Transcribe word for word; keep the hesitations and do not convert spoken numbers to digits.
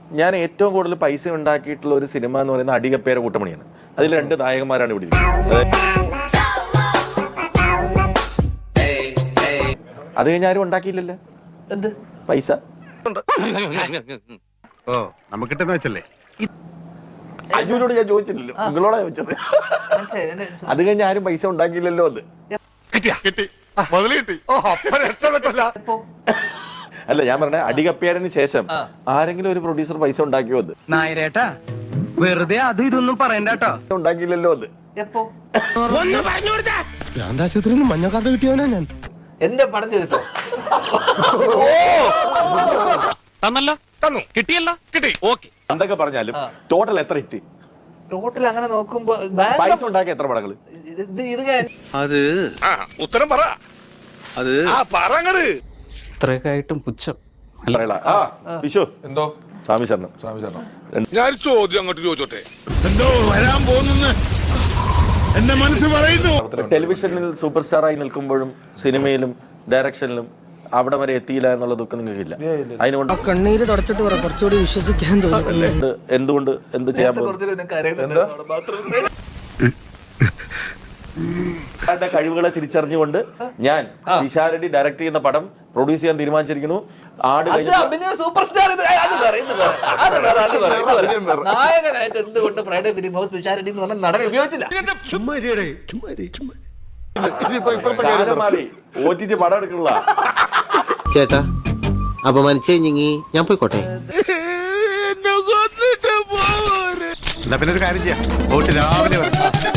ഞാൻ ഏറ്റവും കൂടുതൽ പൈസ ഉണ്ടാക്കിയിട്ടുള്ള ഒരു സിനിമ എന്ന് പറയുന്നത് അടികപ്പേര കൂട്ടമണിയാണ്. അതിൽ രണ്ട് നായകന്മാരാണ് ഇവിടെ ഇരിക്കുന്നത്. അത് കഴിഞ്ഞ ആരും ഉണ്ടാക്കിയില്ലല്ലോ എന്ത് പൈസ. ഓ നമുക്കിട്ടെന്ന് വെച്ചല്ലേ അജുവിനോട് ഞാൻ ചോദിച്ചില്ലല്ലോ, നിങ്ങളോടാ ചോദിച്ചത്. അത് കഴിഞ്ഞ ആരും പൈസ ഉണ്ടാക്കിയില്ലല്ലോ. അത് കിട്ടി മുതല് കിട്ടി. അല്ല ഞാൻ പറഞ്ഞ അടികപ്പേരന് ശേഷം ആരെങ്കിലും ഒരു പ്രൊഡ്യൂസർ പൈസ ഉണ്ടാക്കിയോ? അത് നായരേട്ടാ വെറുതെ അത് ഇതൊന്നും പറയണ്ടോ. ഉണ്ടാക്കിയില്ലല്ലോ. അത് ഭ്രാന്താശുപത്രിയിൽ നിന്ന് മഞ്ഞക്കാർഡ് കിട്ടിയവനാ ഞാൻ. എന്റെ പടം ചെയ്തിട്ടോ തന്നല്ലോ, തന്നു, കിട്ടിയല്ലോ, കിട്ടി, ഓക്കെ. എന്തൊക്കെ പറഞ്ഞാലും ടോട്ടൽ എത്ര ഹിറ്റ്? ടോട്ടൽ അങ്ങനെ നോക്കുമ്പോ പൈസ ഉണ്ടാക്കിയ എത്ര പടങ്ങള്? അത് ഉത്തരം പറ. അത് പറങ്ങട് ഇത്രയൊക്കെ ആയിട്ടും പുച്ഛം. വിഷു എന്തോ സ്വാമി ശരണം. സ്വാമി ശരണം. ഞാൻ ചോദ്യം അങ്ങോട്ട് ചോദിച്ചോട്ടെ. എന്തോ വരാൻ പോകുന്നു എന്റെ മനസ്സ് പറയുന്നു. ടെലിവിഷനിൽ സൂപ്പർ സ്റ്റാറായി നിൽക്കുമ്പോഴും സിനിമയിലും ഡയറക്ഷനിലും അവിടെ വരെ എത്തിയില്ല എന്നുള്ള ദുഃഖം നിങ്ങൾക്കില്ല? അതിനുകൊണ്ട് കണ്ണീര് തുടച്ചിട്ട് പറ, കുറച്ചുകൂടി വിശ്വസിക്കാൻ തോന്നുന്നു. എന്തുകൊണ്ട് എന്ത് ചെയ്യാൻ പോകും? കഴിവുകളെ തിരിച്ചറിഞ്ഞുകൊണ്ട് ഞാൻ നിശാരടി ഡയറക്ട് ചെയ്യുന്ന പടം പ്രൊഡ്യൂസ് ചെയ്യാൻ തീരുമാനിച്ചിരിക്കുന്നു. ആട് സൂപ്പർ സ്റ്റാർ നായകനായിട്ട് എന്തുകൊണ്ട് ഫ്രൈഡേ ഫിലിം ഹൗസ് വിശാരടി എന്ന് പറഞ്ഞ നടനെ ഉപയോഗിച്ചില്ല? മാറി ഒ ടി ടി പടം എടുക്കുള്ള ചേട്ടാ അപമാനിച്ചേ ഞങ്ങി ഞാൻ പോയിക്കോട്ടെ. എന്നാ പിന്നെ ഒരു കാര്യം ചെയ്യാം, രാവിലെ